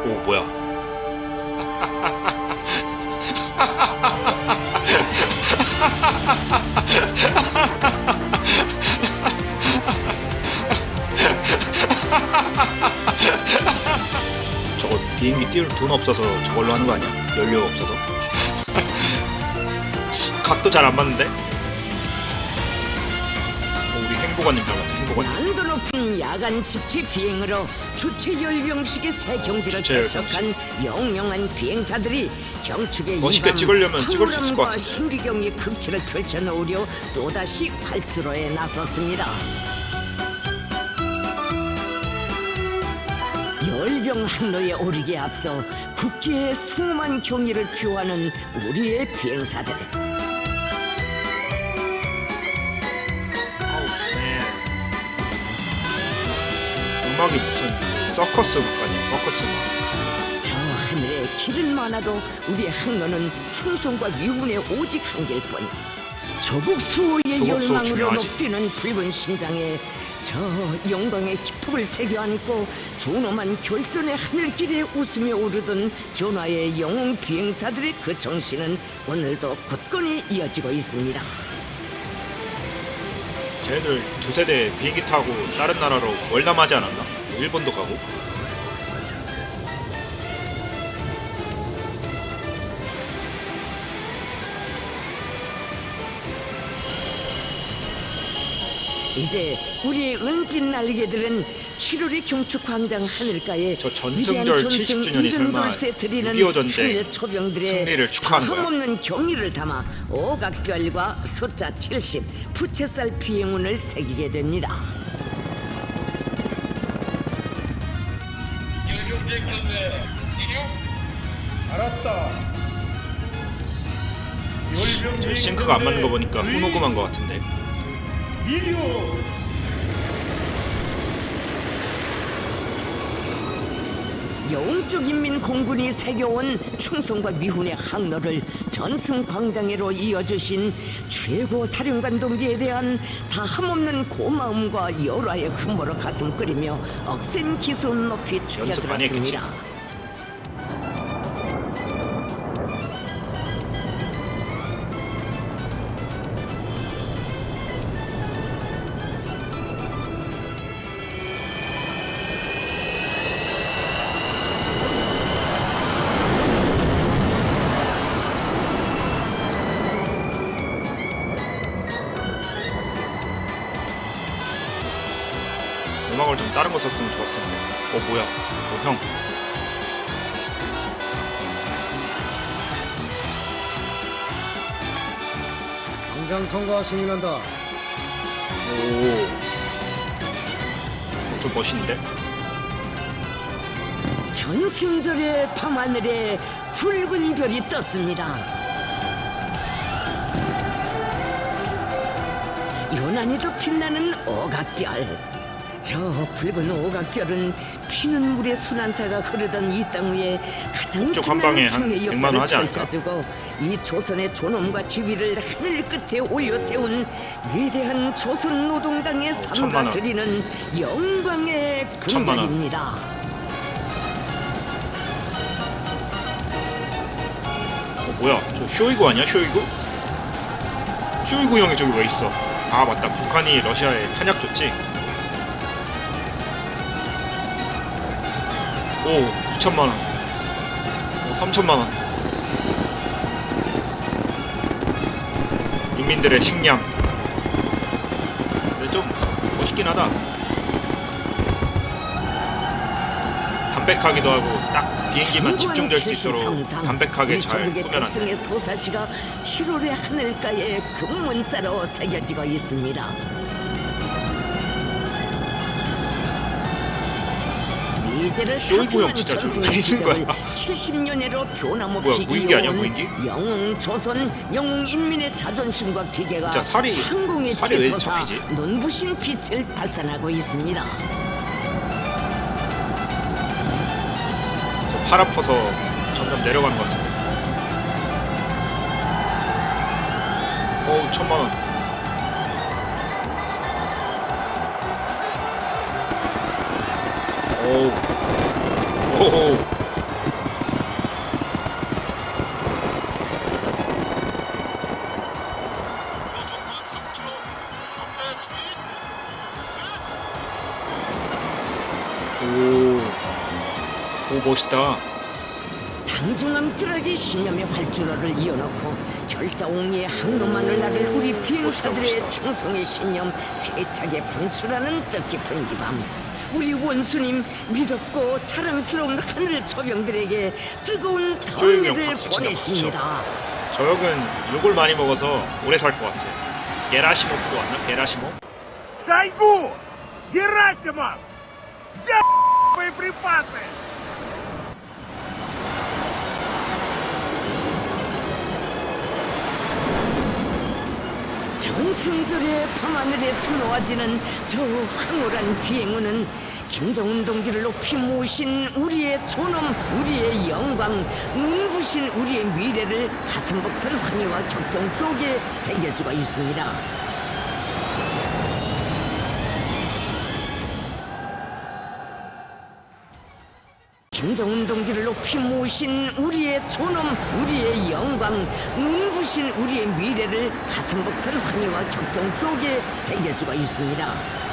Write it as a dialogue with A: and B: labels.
A: 오 뭐야? 저거 비행기 띄울 돈 없어서 저걸로 하는 거 아니야? 연료 없어서? 각도 잘 안 맞는데? 우리 행보관님 닮았다. 행보관님.
B: 난도 높은 야간 집체 비행으로 주체 열병식의 새 경지를
A: 주체 열병식.
B: 개척한 영영한 비행사들이 경축의
A: 멋있게
B: 이밤
A: 찍으려면 찍을 수 있을 것
B: 황홀함과
A: 같은데.
B: 신비경의 극치를 펼쳐놓으려 또다시 활주로에 나섰습니다. 열병 항로에 오르기에 앞서 국기의 숭엄한 경의를 표하는 우리의 비행사들.
A: 아우 스네. 음악이 무슨 서커스 음악 아니야? 서커스 음악.
B: 저 하늘에 길은 많아도 우리의 항로는 충성과 위훈의 오직 한길 뿐. 조국 수호의
A: 조국 수호
B: 열망으로
A: 중요하지.
B: 높이는 붉은 심장에 저 영광의 기폭을 새겨안고 존엄한 결선의 하늘길에 웃으며 오르던 전하의 영웅 비행사들의 그 정신은 오늘도 굳건히 이어지고 있습니다.
A: 쟤들 두세 대 비행기 타고 다른 나라로 월남하지 않았나? 일본도 가고.
B: 이제 우리의 은빛 날개들은 7월의 경축광장 하늘가에
A: 저 전승절 70주년이 설마 6.25 전쟁 승리를 축하하는 거야?
B: 없는 경의를 담아 오각별과 숫자 70 부채살 비행운을 새기게 됩니다.
C: 알았다.
A: 저 싱크가 안 맞는 거 보니까 후노금한 거 같은데.
C: 이류.
B: 영적 인민 공군이 새겨온 충성과 미훈의 항로를 전승광장으로 이어주신 최고 사령관 동지에 대한 다함없는 고마움과 열화의 흠모로 가슴 끓이며 억센 기순 높이
A: 연습 많이 했겠지.
B: 죽여들었습니다.
A: 음악을 좀 다른 거 썼으면 좋았을 텐데. 뭐야? 형.
D: 광장 통과 승인한다.
A: 오. 좀 멋있는데?
B: 전승절의 밤하늘에 붉은 별이 떴습니다. 요난히도 빛나는 오각별. 저 붉은 오각별은 피는 물의 순환사가 흐르던 이 땅 위에 가장
A: 북쪽 한 방에 한
B: 승리의
A: 100만 원
B: 역사를
A: 하지 않을까?
B: 펼쳐주고 이 조선의 존엄과 지위를 하늘 끝에 올려 세운 위대한 조선 노동당의
A: 천만
B: 삼가
A: 원.
B: 드리는 영광의
A: 천만 원.
B: 금발입니다.
A: 뭐야? 저 쇼이구 아니야? 쇼이구? 쇼이구 형이 저기 왜 있어? 아 맞다. 북한이 러시아에 탄약 줬지? 오 2천만원. 오 3천만원. 인민들의 식량. 근데 좀 멋있긴 하다. 담백하기도 하고 딱 비행기만 집중될 수 있도록 담백하게 잘 꾸며놨네.
B: 백성의 소사시가 7월의 하늘가에 금문자로 새겨지고 있습니다. 미제를
A: 쇼이구 형 진짜 저기 왜 있는 거야?
B: 70년에로 변함없이
A: 뭐야, 무인기 아니야,
B: 이어온
A: 무인기?
B: 영웅 조선, 영웅 인민의 자존심과 기계가
A: 진짜
B: 창공에
A: 살이 왜
B: 치솟아
A: 잡히지?
B: 눈부신 빛을 발산하고 있습니다.
A: 저 팔 아파서 점점 내려가는 것 같은데. 어우 1,000만원. 오우. 오호. 오 멋있다.
B: 당중함들에게 신념의 활주로를 이어놓고 결사옹리의 항로만을 나를 우리 비행사들의
A: 멋있다.
B: 충성의 신념 세차게 분출하는 뜻깊은 이 밤, 우리 원수님 믿었고 자랑스러운 하늘 초병들에게 뜨거운
A: 조용히 형
B: 더위를
A: 박수 치나,
B: 보내십니다.
A: 저 형은 욕을 많이 먹어서 오래 살 것 같아. 게라시모프로 왔나? 게라시모?
C: Шойгу! Герасимов! Где боеприпасы?
B: 정승절의 밤하늘에 수놓아지는 저 황홀한 비행운은 김정은 동지를 높이 모신 우리의 존엄, 우리의 영광, 눈부신 우리의 미래를 가슴 벅찬 환희와 격정 속에 새겨주고 있습니다. 김정은 동지를 높이 모신 우리의 존엄, 우리의 영광, 눈부신 우리의 미래를 가슴 벅찬 환희와 격정 속에 새겨주고 있습니다.